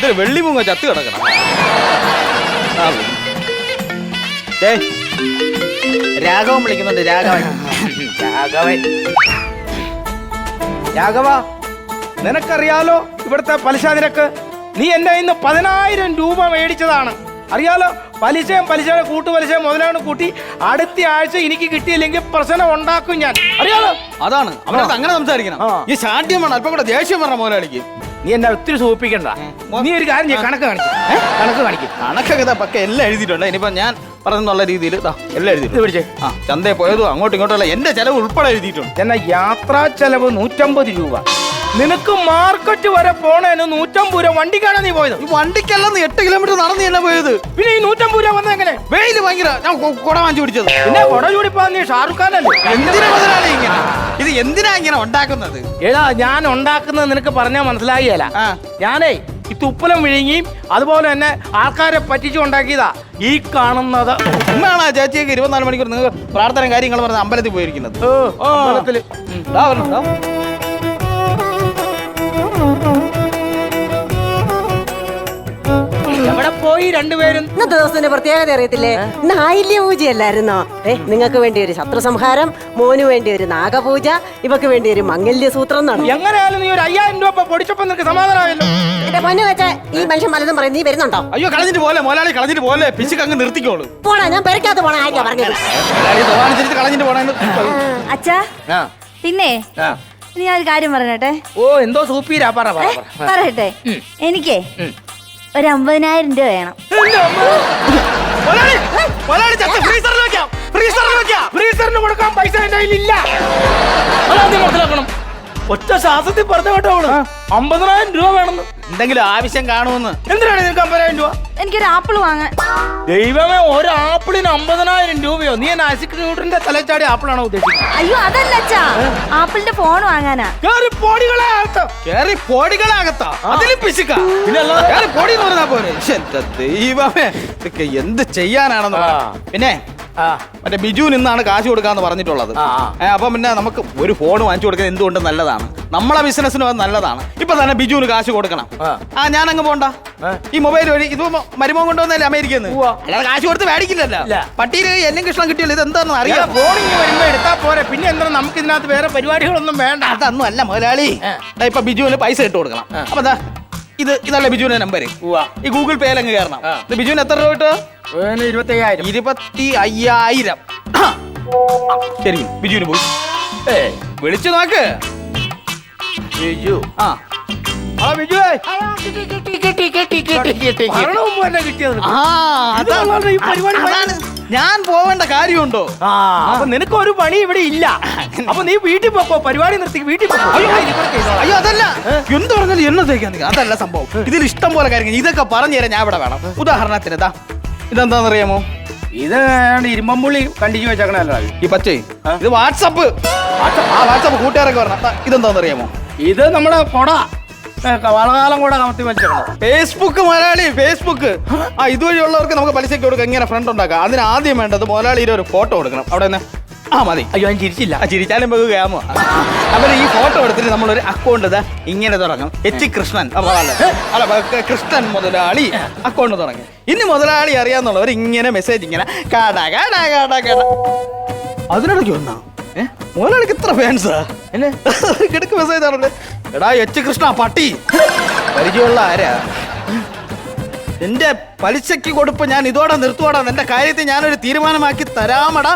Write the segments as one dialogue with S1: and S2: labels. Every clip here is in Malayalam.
S1: വെള്ളിമൂങ്ങ ചത്ത് കിടക്കണം. രാഘവൻ വിളിക്കുന്നുണ്ട്.
S2: രാഘവ, നിനക്കറിയാലോ ഇവിടുത്തെ പലിശ നിരക്ക്? നീ എന്റെ ഇന്ന് 10,000 രൂപ മേടിച്ചതാണ്, അറിയാലോ. പലിശയുടെ കൂട്ടുപലിശയും മുതലാണ് കൂട്ടി അടുത്ത ആഴ്ച എനിക്ക് കിട്ടിയില്ലെങ്കിൽ പ്രശ്നം ഉണ്ടാക്കും ഞാൻ, അറിയാലോ.
S1: അതാണ് അവനത് അങ്ങനെ സംസാരിക്കണം. ഈ ശാഠ്യം വേണം, അല്പം കൂടെ ദേഷ്യം പറഞ്ഞ മുതലാളിക്ക്.
S2: നീ എന്നെ ഒത്തിരി സൂചിപ്പിക്കണ്ട. നീ ഒരു കാര്യം ചെയ്യ്, കണക്ക് കാണിക്കും.
S1: കണക്കൊക്കെ പക്കെ എല്ലാം എഴുതിയിട്ടുണ്ട്. ഇനിയിപ്പോ ഞാൻ പറഞ്ഞെന്നുള്ള രീതിയിൽ എല്ലാം എഴുതിയിട്ട്
S2: പിടിച്ചേ.
S1: ചന്തയിൽ പോയതും അങ്ങോട്ടും ഇങ്ങോട്ടും എന്റെ ചെലവ് ഉൾപ്പെടെ എഴുതിയിട്ടുണ്ട്.
S2: എന്നാ യാത്രാ ചെലവ് 150 രൂപ. നിനക്ക് മാർക്കറ്റ് വരെ പോണേന് 150 രൂപ. വണ്ടിക്കാണ് നീ പോയത്?
S1: ഈ വണ്ടിക്കല്ല, 8 കിലോമീറ്റർ നടന്നു തന്നെ പോയത്.
S2: പിന്നെ ഈ 150 രൂപ വന്ന എങ്ങനെ?
S1: വെയില് ഭയങ്കര. ഞാൻ കുട വാങ്ങിച്ചു പിടിച്ചത്.
S2: പിന്നെ കുട ചൂടിപ്പോ നീ ഷാറുഖ് ഖാനല്ലേ?
S1: എന്തിനാ മുതലാളി ഇങ്ങനെ? ഇത് എന്തിനാ ഇങ്ങനെ ഉണ്ടാക്കുന്നത്?
S2: ഏടാ, ഞാൻ ഉണ്ടാക്കുന്നത് നിനക്ക് പറഞ്ഞാൽ മനസ്സിലാകിയല്ല. ഞാനേ ഈ തുപ്പലം വിഴുങ്ങിയും അതുപോലെ തന്നെ ആൾക്കാരെ പറ്റിച്ചു ഉണ്ടാക്കിയതാ ഈ കാണുന്നത്.
S1: ഉമ്മയാണോ ചേച്ചിയൊക്കെ 24 മണിക്കൂർ നിങ്ങൾ പ്രാർത്ഥന കാര്യങ്ങൾ പറഞ്ഞ അമ്പലത്തിൽ പോയിരിക്കുന്നത്?
S2: അമ്പലത്തില് എവിടെ പോയി രണ്ടുപേരും?
S3: ഇന്നത്തെ ദിവസത്തിന്റെ പ്രത്യേകത അറിയത്തില്ലേ? ഇന്ന് ആയില്യ പൂജയല്ലായിരുന്നോ? നിങ്ങൾക്ക് വേണ്ടി ഒരു ശത്രു സംഹാരം, മോന് വേണ്ടി ഒരു നാഗപൂജ, ഇവക്ക് വേണ്ടി ഒരു മംഗല്യ സൂത്രം നടന്നു.
S2: എങ്ങനെയാലും നീ ഒരു 5,000 രൂപ പൊടിച്ചപ്പോ നിനക്ക് സമാധാനമായല്ലോ.
S3: എന്റെ പൊന്നു വെച്ചാ ഈ മനുഷ്യൻ പലതും പറയും. നീ വരുന്നുണ്ടോ?
S1: അയ്യോ, കളഞ്ഞിട്ട് പോലെ മുതലാളി, കളഞ്ഞിട്ട് പോലെ. പിശുക്ക് അങ്ങ് നിർത്തിക്കോളൂ.
S3: പോണാ, ഞാൻ പെരക്കാത്ത പോണ ആയിരിക്കാം പറഞ്ഞത്.
S1: കളഞ്ഞിട്ട് പോണ.
S4: അച്ഛാ, പിന്നെ ഞാൻ ഒരു കാര്യം പറഞ്ഞട്ടെ.
S2: ഓ, എന്തോ സൂപ്പീരാ.
S4: പറയട്ടെ, എനിക്കേ ഒരു 50,000 രൂപ വേണം.
S2: ഫ്രീസറിന് കൊടുക്കാൻ പൈസ എന്റെ കയ്യിലില്ല. അതാദ്യം മനസ്സിലാക്കണം. ഒറ്റ ശ്വാസത്തിൽ പറഞ്ഞു കേട്ടോ അവള് 50,000 രൂപ വേണമെന്ന്.
S1: എന്തെങ്കിലും ആവശ്യം കാണുമെന്ന്.
S2: എന്തിനാണ് നിനക്ക് 50,000 രൂപ?
S4: എനിക്കൊരു ആപ്പിൾ വാങ്ങാൻ.
S2: ദൈവമേ, ഒരു ആപ്പിളിന് 50,000 രൂപയോ? നീ എന്നെ ഐസിക് ന്യൂട്ടന്റെ തലച്ചാടി ആപ്പിളാണോ ഉദ്ദേശിക്കുന്നത്?
S4: അയ്യോ, അതല്ല അച്ഛാ, ആപ്പിളിന്റെ ഫോൺ വാങ്ങാനാ.
S2: കേറി പൊടികളാകത്താ അതിലും പിശുക്ക.
S1: പിന്നെ പൊടി എന്ന് പറഞ്ഞാ പോരെ. ദൈവമേ, ഇതൊക്കെ എന്ത് ചെയ്യാനാണെന്ന്. പിന്നെ മറ്റേ ബിജു നിന്നാണ് കാശ് കൊടുക്കാന്ന് പറഞ്ഞിട്ടുള്ളത്. അപ്പൊ പിന്നെ നമുക്ക് ഒരു ഫോൺ വാങ്ങിച്ചു കൊടുക്കുന്നത് എന്തുകൊണ്ട് നല്ലതാണ്, നമ്മളെ ബിസിനസ്സിന് അത് നല്ലതാണ്. ഇപ്പൊ തന്നെ ബിജുവിന് കാശ് കൊടുക്കണം. ഞാൻ അങ്ങ് പോണ്ട. ഈ മൊബൈൽ വഴി ഇത് മരുമോൻ കൊണ്ടുവന്നല്ലേ അമേരിക്കയിൽ നിന്ന്, അല്ലാതെ കാശ് കൊടുത്ത് മേടിക്കില്ലല്ലോ. പട്ടിയിൽ എന്നും കൃഷ്ണൻ കിട്ടിയല്ലോ. ഇത് എന്താണെന്ന് അറിയാം.
S2: ഫോണിങ് വരുമ്പോ എടുത്താ പോരെ. പിന്നെ എന്താ നമുക്ക് ഇതിനകത്ത് വേറെ പരിപാടികളൊന്നും വേണ്ട.
S1: അതൊന്നും അല്ല മുതലാളി. ഇപ്പൊ ബിജുവിന് പൈസ ഇട്ട് കൊടുക്കണം. അപ്പൊ ഇതല്ലേ ബിജുവിന്റെ നമ്പർ. ഈ ഗൂഗിൾ പേയിൽ അങ്ങ് കയറണം. ബിജുവിന് എത്ര രൂപ കിട്ടുക?
S2: 25,000.
S1: ശരി, ബിജുവിന് പോയി വിളിച്ചു നോക്ക്.
S2: ബിജു,
S1: ഞാൻ പോവേണ്ട കാര്യമുണ്ടോ?
S2: അപ്പൊ നിനക്ക് ഒരു പണി ഇവിടെ ഇല്ല. അപ്പൊ നീ വീട്ടിൽ പോക്കോ, പരിപാടി നിർത്തി വീട്ടിൽ പോക്കോ.
S1: അയ്യോ, അതല്ല. എന്ത് പറഞ്ഞാലും എന്നതേക്കാ. അതല്ല സംഭവം. ഇതിൽ ഇഷ്ടം പോലെ കാര്യങ്ങൾ ഇതൊക്കെ പറഞ്ഞു തരാൻ ഞാൻ ഇവിടെ വേണം. ഉദാഹരണത്തിന് ഇതെന്താണെന്നറിയാമോ?
S2: ഇത് ഇരുമ്പുള്ളി കണ്ടിച്ചു വെച്ചേക്കണല്ലോ.
S1: ഈ പച്ചേ ഇത് വാട്സപ്പ്. വാട്സപ്പ് കൂട്ടുകാരൊക്കെ പറഞ്ഞ ഇതെന്താണെന്നറിയാമോ?
S2: ഇത് നമ്മുടെ കൊട, വളകാലം കൂടെ കമത്തി വെച്ചേക്കണം.
S1: ഫേസ്ബുക്ക് മുതലാളി, ഫേസ്ബുക്ക്. ഇതുവഴിയുള്ളവർക്ക് നമുക്ക് പലിശയ്ക്ക് കൊടുക്കാം. എങ്ങനെ ഫ്രണ്ട് ഉണ്ടാക്കാം. അതിന് ആദ്യം വേണ്ടത് മുതലാളിയുടെ ഒരു ഫോട്ടോ എടുക്കണം. അവിടെ നിന്ന് മതി.
S2: അയ്യോ, ഞാൻ ചിരിച്ചില്ല.
S1: ചിരിച്ചാലും പോകുകയാമോ? അവര് ഈ ഫോട്ടോ എടുത്തിട്ട് നമ്മളൊരു അക്കൗണ്ട് ഇങ്ങനെ തുടങ്ങും. കൃഷ്ണൻ അല്ല കൃഷ്ണൻ മുതലാളി അക്കൗണ്ട് തുടങ്ങി. ഇനി മുതലാളി അറിയാന്നുള്ളവർ ഇങ്ങനെ മെസ്സേജ് ഇങ്ങനെ കാടാ കാടാ കാടാ കാടാ. അതിനിടയ്ക്ക് വന്നാ മുതലാളിക്ക് ഇത്ര ഫാൻസാ എന്നെ കിടക്ക് മെസ്സേജ് ആണല്ലേ. എടാ കൃഷ്ണ പട്ടി, പരിചയമുള്ള ആരാ? എന്റെ പലിശയ്ക്ക് കൊടുപ്പ് ഞാൻ ഇതോടെ നിർത്തുവാടാ. എന്റെ കാര്യത്തിൽ ഞാനൊരു തീരുമാനമാക്കി തരാമടാ.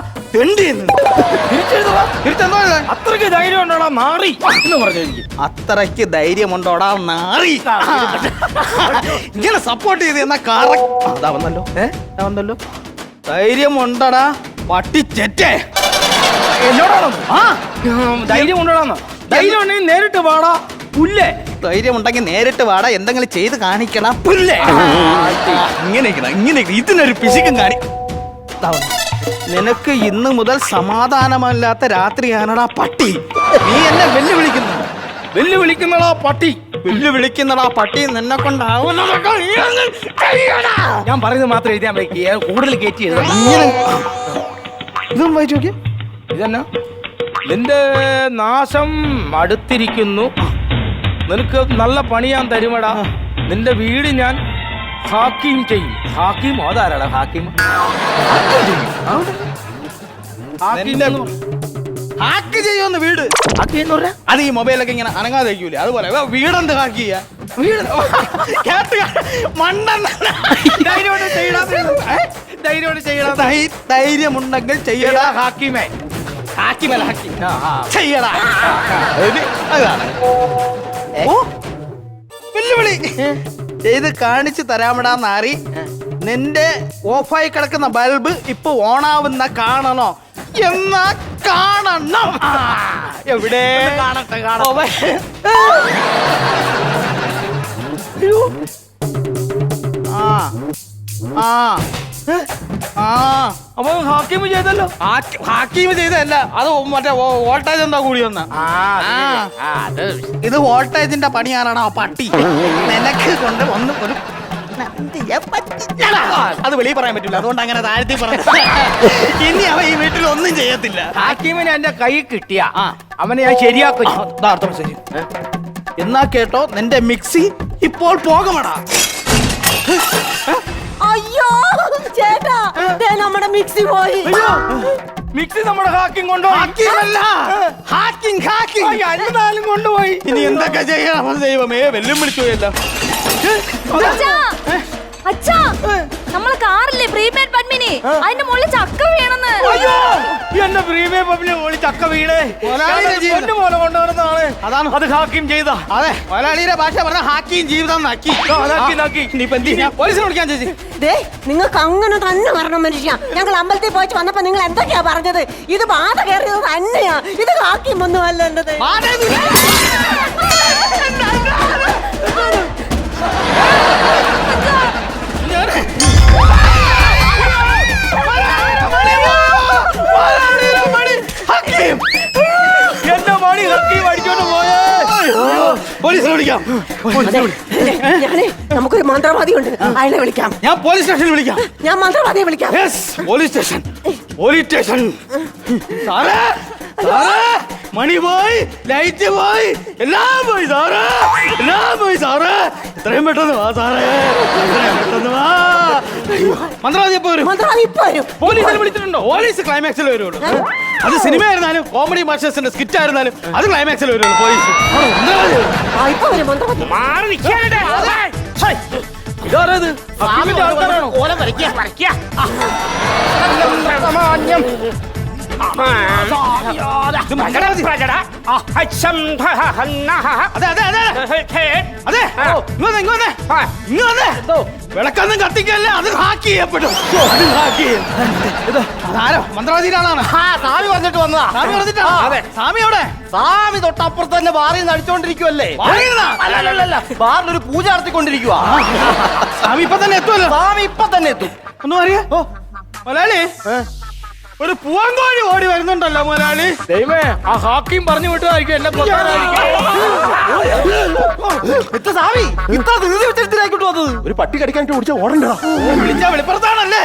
S2: അത്രയ്ക്ക് ധൈര്യം ഉണ്ടോടാ നാറി എന്ന് പറഞ്ഞു.
S1: അത്രയ്ക്ക് ധൈര്യമുണ്ടോടാ നാറി. ഇങ്ങനെ സപ്പോർട്ട് ചെയ്ത് എന്നാ അതാ വന്നല്ലോ. ധൈര്യമുണ്ടടാ പട്ടിച്ചെറ്റേ.
S2: എന്നോടാണോ? ധൈര്യം ഉണ്ടോടാന്നോ? ധൈര്യം ഉണ്ടെങ്കിൽ നേരിട്ട് വാടാ പുല്ലേ.
S1: ധൈര്യം ഉണ്ടെങ്കിൽ നേരിട്ട് വാടാ. എന്തെങ്കിലും ചെയ്ത് കാണിക്കണം പുല്ലേ. ഇങ്ങനെ ഇതിനൊരു പിശുക്കും കാണി. നിനക്ക് ഇന്ന് മുതൽ സമാധാനമല്ലാത്ത രാത്രിയാണടാ പട്ടി. നീ എന്നെ വെല്ലുവിളിക്കുന്നടാ പട്ടി. വെല്ലുവിളിക്കുന്നടാ പട്ടി. നിന്നെ കൊണ്ടാവുന്നതൊക്കെ
S2: ഞാൻ പറയുന്നത് മാത്രം എഴുതിയാൽ മതി. കൂടുതൽ കയറ്റി
S1: ഇതൊന്നും വായിച്ചു നോക്കിയ.
S2: ഇതെന്നാ? നിന്റെ നാശം അടുത്തിരിക്കുന്നു. നിനക്ക് നല്ല പണി ഞാൻ തരുമടാ. നിന്റെ വീട് ഞാൻ ഹാക്കിം ചെയ്യും. ഹാക്കിം അതാരാടാ ഹാക്കിം?
S1: നിന്റെ ഹാക്ക് ചെയ്യുമെന്ന് വീട്. അത് ഈ മൊബൈലൊക്കെ ഇങ്ങനെ അനങ്ങാതെ വയ്ക്കൂലേ, അതുപോലെ വീടെന്ത് ഹാക്ക് ചെയ്യാ? വീട് കേട്ട് മണ്ടൻ. ധൈര്യമുണ്ടെങ്കിൽ ചെയ്യടാ
S2: ഹാക്കിമേ.
S1: ഹാക്കിമല്ല ഹാക്കി ചെയ്യടാ. അതാണ് ഓ വെല്ലുവിളി ചെയ്ത് കാണിച്ചു തരാമടാ നാറി. നിന്റെ ഓഫായി കിടക്കുന്ന ബൾബ് ഇപ്പൊ ഓണാവുന്ന കാണണോ? എന്നാ കാണണം. എവിടെ കാണട്ടെ
S2: അപ്പൊ ഹാക്കിം ചെയ്തല്ലോ.
S1: ഹാക്കിം ചെയ്തല്ല, അത് മറ്റേ വോൾട്ടേജ് എന്താ കൂടി വന്ന. ഇത് വോൾട്ടേജിന്റെ പണിയാണോ പട്ടി? നിനക്ക് കൊണ്ട് ഒന്ന് ഒരു അത് വെളിയിൽ പറയാൻ പറ്റില്ല, അതുകൊണ്ട് അങ്ങനെ താഴ്ത്തി പറയാം. ഇനി അവൻ ഈ വീട്ടിൽ ഒന്നും ചെയ്യത്തില്ല.
S2: ഹാക്കിമിന് എന്റെ കൈ കിട്ടിയ അവനെ ഞാൻ ശരിയാക്കും.
S1: ശരി എന്നാ കേട്ടോ, നിന്റെ മിക്സി ഇപ്പോൾ പോകമടാ.
S3: അയ്യോ ചേട്ടാ, ദേ നമ്മുടെ മിക്സി പോയി.
S2: മിക്സി നമ്മുടെ ഹാക്കിങ് കൊണ്ടുപോയി. എന്നാലും കൊണ്ടുപോയി.
S1: ഇനി എന്തൊക്കെ ചെയ്യണം ദൈവമേ, വെല്ലും വിളിച്ചു പോയല്ലോ.
S4: അച്ഛാ, നമ്മളെ കാറില്ലേ പ്രീപെയ്ഡ് പത്മിനി, അതിന്റെ മുകളിൽ ചക്ക വീണെന്ന്.
S2: അയ്യോ, എന്റെ പ്രീമിയം പബ്ലിക് ഓളി ചക്ക വീണേ. പോലെ കൊണ്ടുവരുന്നതാണ്.
S1: അതാണ്
S2: അത് ഹാക്കിം ചെയ്ത.
S1: അതെ, മലയാളിയുടെ ഭാഷ പറഞ്ഞ ഹാക്കിയും ജീവിതം നാക്കി. ഇനിയിപ്പോ എന്ത് ചെയ്യാ? പോലീസിനെ വിളിക്കാൻ ചേച്ചി.
S3: ദേ നിങ്ങൾക്ക് അങ്ങനെ തന്നെ വരണം മനുഷ്യ. ഞങ്ങൾ അമ്പലത്തിൽ പോയിട്ട് വന്നപ്പോ നിങ്ങൾ എന്തൊക്കെയാ പറഞ്ഞത്? ഇത് ബാധ കയറിയത് തന്നെയാ. ഇത് ഹാക്കിം ഒന്നും അല്ല എന്നത്.
S2: എന്റെ മണി ഹക്കീം അടിച്ചോണ്ട് പോയേ.
S1: പോലീസിനെ വിളിക്കാം.
S3: ഞാനേ നമുക്കൊരു മന്ത്രവാദി ഉണ്ട്, അയാളെ വിളിക്കാം.
S1: ഞാൻ പോലീസ് സ്റ്റേഷനിൽ വിളിക്കാം.
S3: ഞാൻ മന്ത്രവാദിയെ വിളിക്കാം.
S1: Police station, police station. സാറേ, സാറേ, മണി പോയി, ലൈറ്റ് പോയി, എല്ലാം പോയി സാറേ, എല്ലാം പോയി സാറേ. എത്രയും പെട്ടെന്ന് വാ സാറേ, എത്രയും പെട്ടെന്ന് വാ. മന്ത്രവാദി എപ്പോ വരും?
S3: മന്ത്രവാദി ഇപ്പൊ വരും.
S1: പോലീസിനെ വിളിച്ചിട്ടുണ്ടോ? പോലീസ് ക്ലൈമാക്സിൽ വരുള്ളൂ. അത് സിനിമ ആയിരുന്നാലും കോമഡി മാസ്റ്റേഴ്സിന്റെ സ്കിറ്റ് ആയിരുന്നാലും അത് ക്ലൈമാക്സിൽ വരുള്ളൂ. പോലീസ്
S3: ഇപ്പൊ വരും മന്ത്രവാദി.
S2: ഇതാരത്? ഹക്കീമിന്റെ ആൾക്കാരാണോ?
S1: വിളക്കൊന്നും കത്തിക്കല്ലേ, അത് ഹാക്ക് ചെയ്യപ്പെടും. അത് ഹാക്ക് ചെയ്യും. അതാരോ മന്ത്രവാദിയുടെ ആളാണ്.
S2: സ്വാമി പറഞ്ഞിട്ട് വന്നതാ.
S1: സ്വാമി പറഞ്ഞിട്ടാ?
S2: അതെ.
S1: സ്വാമി എവിടെ?
S2: സ്വാമി തൊട്ടപ്പുറത്ത് തന്നെ ബാറിൽ നടിച്ചോണ്ടിരിക്കുവല്ലേ.
S1: അല്ലല്ല,
S2: ബാറിലൊരു പൂജ നടത്തിക്കൊണ്ടിരിക്കുക.
S1: സ്വാമി ഇപ്പൊ തന്നെ എത്തുമല്ലോ.
S2: സ്വാമി ഇപ്പൊ തന്നെ എത്തും.
S1: ഒന്നും അറിയാ? ഓ മലയാളി, ഒരു പൂവങ്കോഴി ഓടി വരുന്നുണ്ടല്ലോ മുതലാളി.
S2: ദൈവമേ, ആ ഹാക്കിം പറഞ്ഞു വിട്ടതായിരിക്കും എന്നെ
S1: സ്വാമി ഇത്ര ധൃതി വെച്ചിട്ടായിക്കോട്ട് വന്നത്.
S5: ഒരു പട്ടി കടിക്കാനിട്ട് ഓടിച്ച ഓടണ്ട.
S1: വിളിച്ച വെളിപ്പുറത്താണല്ലേ.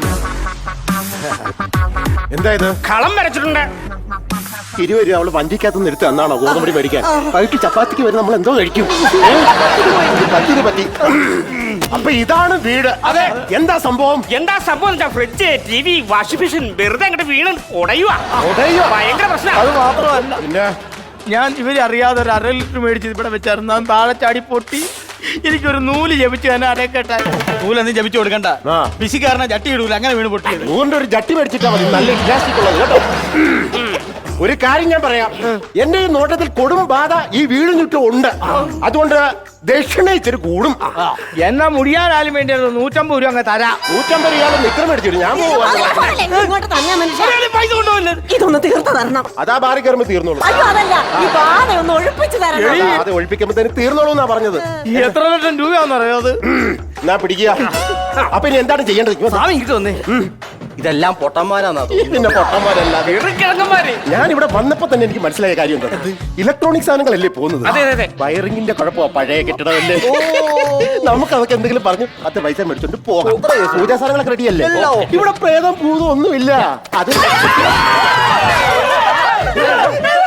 S5: എന്തായത്?
S2: കളം വരച്ചിട്ടുണ്ട്.
S5: 20 രൂപ അവള് വണ്ടിക്കകത്ത് നിർത്തി എന്നാണോ ഗോതമ്പടി മേടിക്കാൻ? വൈകിട്ട് ചപ്പാത്തിക്ക് വരെ നമ്മൾ എന്തോ കഴിക്കും. പറ്റി. അപ്പൊ ഇതാണ് വീട്.
S2: അതെ.
S5: എന്താ സംഭവം?
S6: എന്താ സംഭവം? ഫ്രിഡ്ജ്, TV, വാഷിംഗ് മെഷീൻ വെറുതെ അങ്ങോട്ട് വീണ് ഉടയുവാ. ഭയങ്കര പ്രശ്നം.
S2: അത് മാത്രമല്ല,
S5: പിന്നെ
S2: ഞാൻ ഇവര് അറിയാതെ ഒരു 1/2 ലിറ്റർ മേടിച്ച് ഇവിടെ വെച്ചായിരുന്നു. ഞാൻ താഴെ ചാടി പൊട്ടി. എനിക്കൊരു നൂല് ജപിച്ചു തന്നെ അരക്കെട്ടായി.
S1: നൂലൊന്നും ജപിച്ചു കൊടുക്കണ്ട.
S5: ആ.
S1: പിശിക്കാരനെ ജട്ടി ഇടൂല, അങ്ങനെ വീണ് പൊട്ടിയത്.
S5: നൂറിന്റെ ഒരു ജട്ടി മേടിച്ചിട്ടാ മതി, നല്ല ഇലാസ്റ്റിക് ഉള്ളത് കേട്ടോ. ഒരു കാര്യം ഞാൻ പറയാം, എന്റെ ഈ നോട്ടത്തിൽ കൊടും ബാധ ഈ വീടിന് ചുറ്റും ഉണ്ട്. അതുകൊണ്ട് ദക്ഷിണ ഇച്ചിരി കൂടും.
S2: എന്നാ മുടിയാനാലും വേണ്ടി 150 രൂപ അങ്ങ് തരാം.
S5: 150 രൂപ നിക്കർ മേടിച്ചിട്ട് ഞാൻ പോവാ.
S3: ഇങ്ങോട്ട് തന്നെ മനുഷ്യ.
S2: പൈസ കൊണ്ടുപോയില്ലേ?
S3: ഇതൊന്ന് തീർത്ത് തരണം.
S5: അതാ ബാറി കയറുമ്പോ തീർന്നോളൂ.
S3: അയ്യോ അതല്ല, ഈ ബാധ ഒന്ന് ഒഴിപ്പിച്ച് തരണം.
S5: അത് ഒഴിപ്പിക്കുമ്പോ തന്നെ തീർന്നോളൂ എന്നാ പറഞ്ഞത്.
S2: എത്ര ലക്ഷം രൂപയാണെന്ന് അറിയാത്?
S5: എന്നാ പിടിക്കുക. അപ്പൊ ഇനി എന്താണ് ചെയ്യേണ്ടത്?
S1: സ്വാമി ഇങ്ങോട്ട് വന്നേ.
S2: ഇതെല്ലാം പൊട്ടന്മാരാന്നാ
S5: പിന്നെ പൊട്ടന്മാരല്ല,
S2: കിഴങ്ങന്മാര്.
S5: ഞാൻ ഇവിടെ വന്നപ്പോ തന്നെ എനിക്ക് മനസ്സിലായ കാര്യം എന്താ? ഇലക്ട്രോണിക് സാധനങ്ങളല്ലേ പോകുന്നത്.
S6: അതെ, അതെ.
S5: വയറിങ്ങിന്റെ കുഴപ്പമാ, പഴയ കെട്ടിടമല്ലേ. നമുക്ക് അതൊക്കെ എന്തെങ്കിലും പറഞ്ഞു 10 പൈസ മേടിച്ചോണ്ട് പോകാം. പൂജാ സാധനങ്ങളൊക്കെ റെഡിയല്ലേ? ഇവിടെ പ്രേതം പൂതം ഒന്നുമില്ല. അത്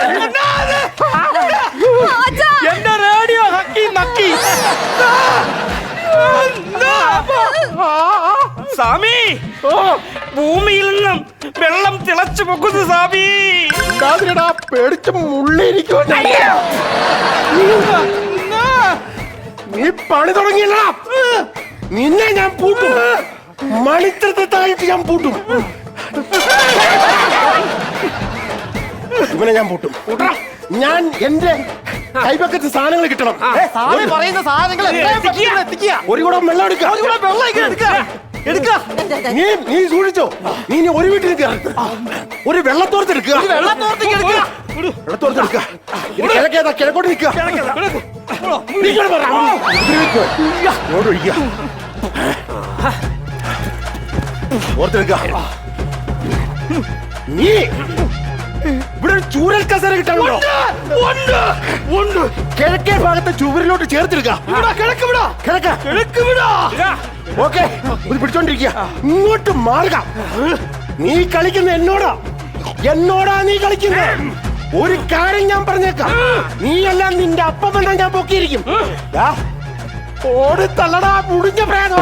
S2: എന്റെ റേഡിയോ ഹക്കി നക്കി.
S6: ഭൂമിയിൽ നിന്നും വെള്ളം തിളച്ചു പൊക്കുന്നു സ്വാമി.
S5: ഉണ്ടാതിരടാ, പേടിച്ച് മുള്ളിരിക്കും. നീ പണി തുടങ്ങിയല്ല, നിന്നെ ഞാൻ പൂട്ടും. മണിത്രത്തായിട്ട് ഞാൻ പൂട്ടും. ഇവനെ ഞാൻ പൂട്ടും. ഞാൻ എന്റെ കൈപക്കത്ത് സാധനങ്ങൾ കിട്ടണം.
S1: പറയുന്ന സാധനങ്ങൾ
S5: ഒരു കൂടെ വെള്ളം എടുക്കുക. നീ സൂക്ഷിച്ചോ. നീ ഇനി ഒരു വീട്ടിൽ കയറി ഒരു വെള്ളത്തോർത്തെടുക്കുക. വെള്ളത്തോർത്തെടുക്കുക. കിഴക്കേതാ, കിഴക്കോട്ട് നിൽക്കുക. ഓർത്തെടുക്കുക. നീ ഇവിടെ ഒരു ചൂരൽ കസേര കിട്ടാനുണ്ടോ? കിഴക്കേ ഭാഗത്തെ ചുവരിലോട്ട് ചേർത്തെടുക്കുക. ഓക്കെ, ഇത് പിടിച്ചോണ്ടിരിക്കുക. ഇങ്ങോട്ട് മാറുക. നീ കളിക്കുന്ന എന്നോടാ നീ കളിക്കുന്നത്. ഒരു കാര്യം ഞാൻ പറഞ്ഞേക്കാം, നീയെല്ലാം നിന്റെ അപ്പം വേണ്ട ഞാൻ പൊക്കിയിരിക്കും. ഓടി തള്ളടാ മുടിഞ്ഞ പ്രേതം.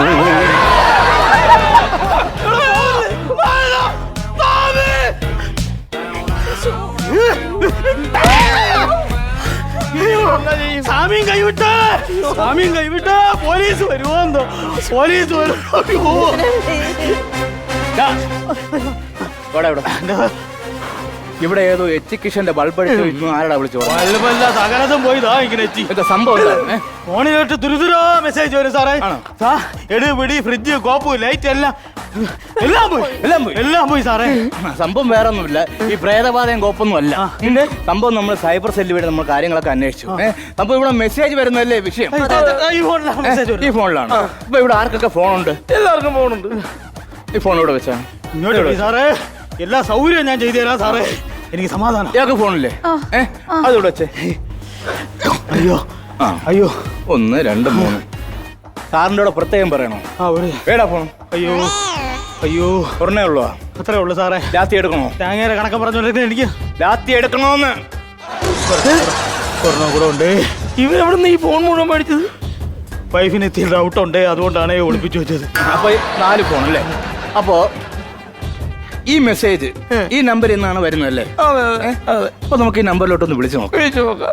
S1: സാമിയും കൈവിട്ട പോലീസ് വരുമോ? പോലീസ് വരുമോ?
S7: ഇവിടെ ഏതോ എച്ചിക്കിഷന്റെ ബൾബ് അടിച്ചു. ആരാടാ വിളിച്ചു?
S1: ബൾബല്ല, സകലതും പോയിതാ ഇങ്ങനെ എത്തി.
S7: സംഭവം
S1: ഫോണിലോട്ട് തുരുതുരോ മെസ്സേജ് വരും സാറേ. എടി പിടി ഫ്രിഡ്ജ് കോപ്പ് ലൈറ്റ് എല്ലാം പോയി സാറേ.
S7: സംഭവം വേറെ ഒന്നുമില്ല, ഈ പ്രേതബാധയും കോപ്പൊന്നും അല്ല. സംഭവം നമ്മൾ സൈബർ സെല്ല് വഴി നമ്മൾ കാര്യങ്ങളൊക്കെ അന്വേഷിച്ചു. സംഭവം ഇവിടെ മെസ്സേജ് വരുന്നതല്ലേ വിഷയം. ഈ ഫോണിലാണ്. ഇപ്പൊ ഇവിടെ ആർക്കൊക്കെ ഫോണുണ്ട്?
S1: എല്ലാവർക്കും ഫോണുണ്ട്.
S7: ഈ ഫോൺ ഇവിടെ വെച്ചാ
S1: ഇങ്ങോട്ട് സാറേ, എല്ലാ സൗകര്യവും ഞാൻ ചെയ്തു തരാം സാറേ. എനിക്ക് സമാധാനം.
S7: ഇയാൾക്ക് ഫോണില്ലേ? അതിവിടെ വെച്ചേ.
S1: അയ്യോ
S7: 1 2 3. സാറിന്റെ കൂടെ പ്രത്യേകം പറയണോ? വേടാ ഫോൺ.
S1: അയ്യോ
S7: ഒരെണ്ണേ ഉള്ളൂ.
S1: അത്രേ ഉള്ളു സാറേ.
S7: ലാത്തി എടുക്കണോ?
S1: തേങ്ങയുടെ കണക്കം പറഞ്ഞോണ്ടിരിക്കുന്നത് എനിക്ക്
S7: ലാത്തി എടുക്കണോന്ന്.
S1: ഒരെണ്ണം കൂടെ ഉണ്ട്. ഇവരെവിടെ നിന്ന് ഈ ഫോൺ മുഴുവൻ മേടിച്ചത്? വൈഫിന് എത്തിയ ഡൗട്ട് ഉണ്ട്, അതുകൊണ്ടാണ് ഒളിപ്പിച്ചു വെച്ചത്.
S7: അപ്പൊ 4 ഫോൺ അല്ലേ? അപ്പോ ഈ മെസ്സേജ് ഈ നമ്പറിൽ നിന്നാണ് വരുന്നതല്ലേ? അപ്പൊ നമുക്ക് ഈ നമ്പറിലോട്ടൊന്ന് വിളിച്ചു നോക്കാം.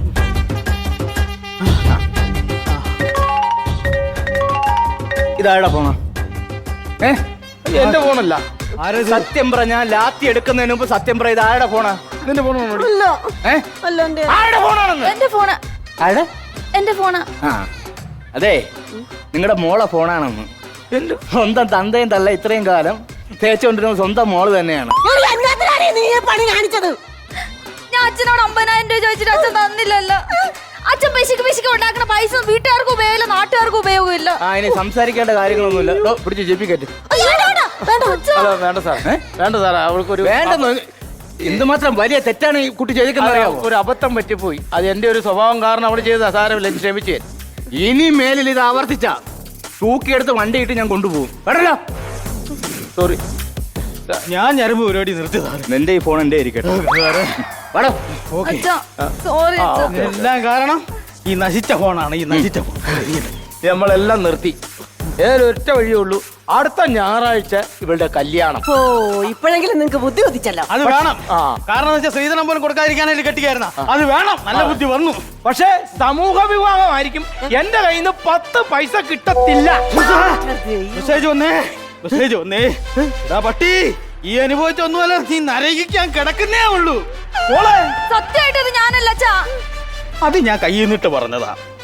S7: ഇതാരുടെ ഫോണാ?
S2: എന്റെ ഫോണല്ല.
S7: സത്യം പറഞ്ഞ ലാത്തി എടുക്കുന്നതിന് മുമ്പ് സത്യം പറ, ഇത് ആരുടെ ഫോണാ?
S2: നിന്റെ ഫോൺ
S7: ആരുടെ ഫോണാണെന്ന്?
S4: എന്റെ ഫോണാ.
S7: ആ അതെ, നിങ്ങളുടെ മോളെ ഫോണാണെന്ന്. സ്വന്തം തന്തയും തള്ള ഇത്രയും കാലം തേച്ചുകൊണ്ടിരുന്ന സ്വന്തം മോള് തന്നെയാണ്.
S3: പണി കാണിച്ചത്
S4: ഞാൻ അച്ഛനോട് 50,000 രൂപ ചോദിച്ചിട്ട് അച്ഛൻ തന്നില്ലല്ലോ. അച്ഛൻ പിശുക്ക് ഉണ്ടാക്കുന്ന പൈസ വീട്ടുകാർക്ക് ഉപയോഗമില്ല, നാട്ടുകാർക്ക് ഉപയോഗമില്ല.
S7: ഇനി സംസാരിക്കേണ്ട കാര്യങ്ങളൊന്നുമില്ല. പിടിച്ച് ജെപ്പിക്കറ്റ്.
S2: വേണ്ട സാർ, വേണ്ട സാർ. അവൾക്കൊരു
S7: വേണ്ടെന്ന് എന്തുമാത്രം വലിയ തെറ്റാണ് ഈ കുട്ടി ചെയ്തിരിക്കുന്നത് അറിയാമോ?
S2: ഒരു അബദ്ധം പറ്റിപ്പോയി. അത് എന്റെ ഒരു സ്വഭാവം കാരണം അവൾ ചെയ്ത സാരമില്ല, ക്ഷമിച്ചു.
S7: ഇനി മേലിൽ ഇത് ആവർത്തിച്ച തൂക്കിയെടുത്ത് വണ്ടിയിട്ട് ഞാൻ കൊണ്ടുപോകും. കേട്ടല്ലോ?
S2: സോറി.
S1: ഞാൻ ഞരമ്പ് പരിപാടി നിർത്തി സാറേ.
S7: നിന്റെ ഈ ഫോൺ എന്റെ ഇരിക്കട്ടെ.
S4: സോറി.
S1: എല്ലാം കാരണം ഈ നശിച്ച ഫോണാണ്. ഈ നശിച്ച ഫോൺ
S2: നമ്മളെല്ലാം നിർത്തി. ഒറ്റ വഴിയേ ഉള്ളൂ, അടുത്ത ഞായറാഴ്ച ഇവളുടെ കല്യാണം.
S3: ഓ, ഇപ്പോഴെങ്കിലും നിങ്ങക്ക് ബുദ്ധി ഉദിച്ചല്ലോ.
S1: അത് വേണം. കാരണം വെച്ചാൽ സ്ത്രീധനം പോലും കൊടുക്കാതിരിക്കാനായിട്ട് കെട്ടിക്കായിരുന്ന അത് വേണം. നല്ല ബുദ്ധി വന്നു.
S2: പക്ഷേ സമൂഹ വിവാഹമായിരിക്കും. എന്റെ കയ്യിൽ നിന്ന് 10 പൈസ കിട്ടത്തില്ല.
S1: മെസ്സേജ് വന്നേ. പട്ടി, ഈ അനുഭവിച്ചൊന്നുമല്ല, നീ നരകിക്കാൻ കിടക്കുന്നേ ഉള്ളൂ.
S4: സത്യമായിട്ട് ഇത് ഞാനല്ല അച്ഛാ.
S1: അത് ഞാൻ കയ്യിൽ നിന്നിട്ട് പറഞ്ഞതാ.